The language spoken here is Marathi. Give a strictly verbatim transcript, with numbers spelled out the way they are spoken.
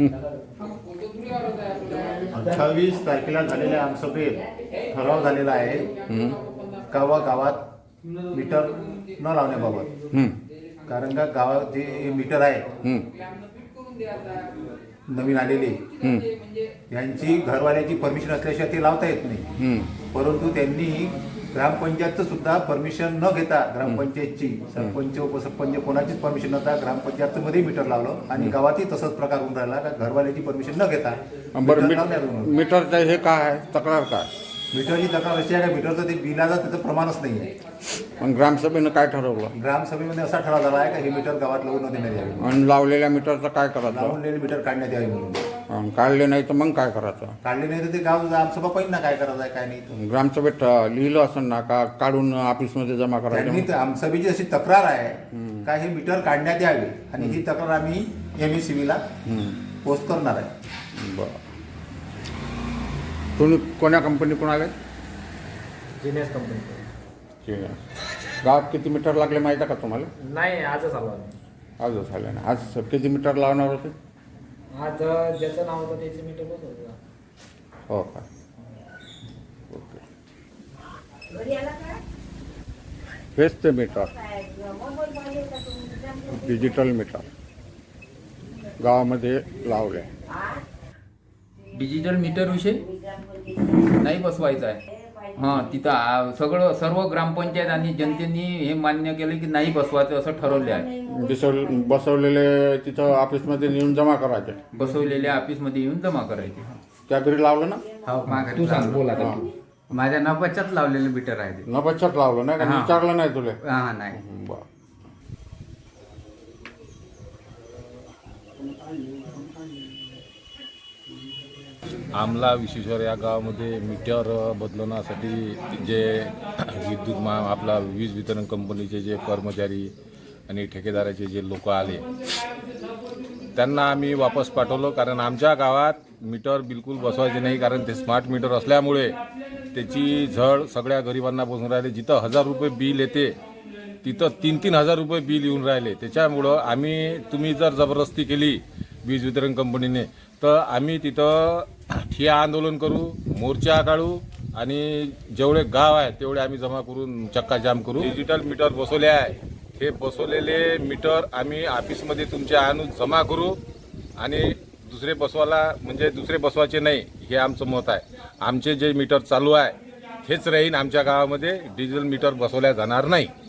अठ्ठावीस तारखेला झालेल्या आमसभेत ठराव झालेला आहे गावा गावात मीटर न लावण्याबाबत. कारण का गावात जे मीटर आहे नवीन आलेले यांची घरवाल्याची परमिशन असल्याशिवाय ते लावता येत नाही. परंतु त्यांनी ग्रामपंचायतचं सुद्धा परमिशन न घेता ग्रामपंचायतची सरपंच उपसरपंच कोणाचीच परमिशन नव्हता ग्रामपंचायतचं मध्ये मीटर लावलं आणि गावातही तसंच प्रकार होऊन राहिला का घरवाल्याची परमिशन न घेता मीटरचं हे काय आहे तक्रार काय? मीटरची तक्रार अशी आहे का मीटरचं ते बिलाचं त्याचं प्रमाणच नाही आहे. मग ग्रामसभेनं काय ठरवलं? ग्रामसभेमध्ये असा ठराव झाला आहे का हे मीटर गावात लावून न देण्यात यावे. आणि लावलेल्या मीटरचं काय करायचं? लावलेले मीटर काढण्यात यावे म्हणून. काढले नाही तर मग काय करायचं? काढले नाही तर ते गाव आमसभा पाहिजे ना काय करायचं आहे काय नाही. ग्रामसभेत लिहिलं असं ना का काढून ऑफिसमध्ये जमा करायचं? त्यांनी आमसभेची अशी तक्रार आहे का हे मीटर काढण्यात यावे आणि ही तक्रार आम्ही एम ई सी बीला पोस्ट करणार आहे. बरं. तुम्ही कोण्या कंपनीकडून आले? जिनेस कंपनी. ठीक आहे. गावात किती मीटर लागले माहिती आहे का तुम्हाला? नाही, आजच आलो आम्ही. आजच आले ना. आज किती मीटर लावणार होते? आज ज्याचं नाव होतं त्याचे मीटर बसवलं. हो का? ओके. हेच ते मीटर डिजिटल मीटर गावामध्ये लावले. डिजिटल मीटर विषय नाही बसवायचा आहे. हां, तिथं सगळं सर्व ग्रामपंचायत आणि जनतेने हे मान्य केलं की नाही बसवायचं असं ठरवले आहे. बसव बसवलेले तिथं ऑफिसमध्ये नेऊन जमा करायचे. बसवलेल्या ऑफिसमध्ये येऊन जमा करायचे. त्या घरी लावलं ना? हो, तू सांग बोला. माझ्या नपाच्यात लावलेलं मीटर आहे ते. नपाच्यात लावलं नाही का? विचारलं नाही तुला? हा, नाही. बरं. आमला विश्वेश्वर या गावामध्ये मीटर बदलवण्यासाठी जे विद्युत मा आपला वीज वितरण कंपनीचे जे कर्मचारी आणि ठेकेदाराचे जे लोक आले त्यांना आम्ही वापस पाठवलं. कारण आमच्या गावात मीटर बिलकुल बसवायचे नाही. कारण ते स्मार्ट मीटर असल्यामुळे त्याची झळ सगळ्या गरिबांना बसून राहिले. जिथं हजार रुपये बिल येते तिथं तीन तीन हजार रुपये बिल येऊन राहिले. त्याच्यामुळं आम्ही तुम्ही जर जबरदस्ती केली वीज वितरण कंपनीने तर आम्ही तिथं ठिय्या आंदोलन करू, मोर्चा काढू आणि जेवढे गाव आहे तेवढे आम्ही जमा करून चक्काजाम करू. डिजिटल मीटर बसवले आहे. हे बसवलेले मीटर आम्ही ऑफिसमध्ये तुमच्या आणून जमा करू आणि दुसरे बसवायला म्हणजे दुसरे बसवायचे नाही हे आमचं मत आहे. आमचे जे मीटर चालू आहे हेच राहील. आमच्या गावामध्ये डिजिटल मीटर बसवल्या जाणार नाही.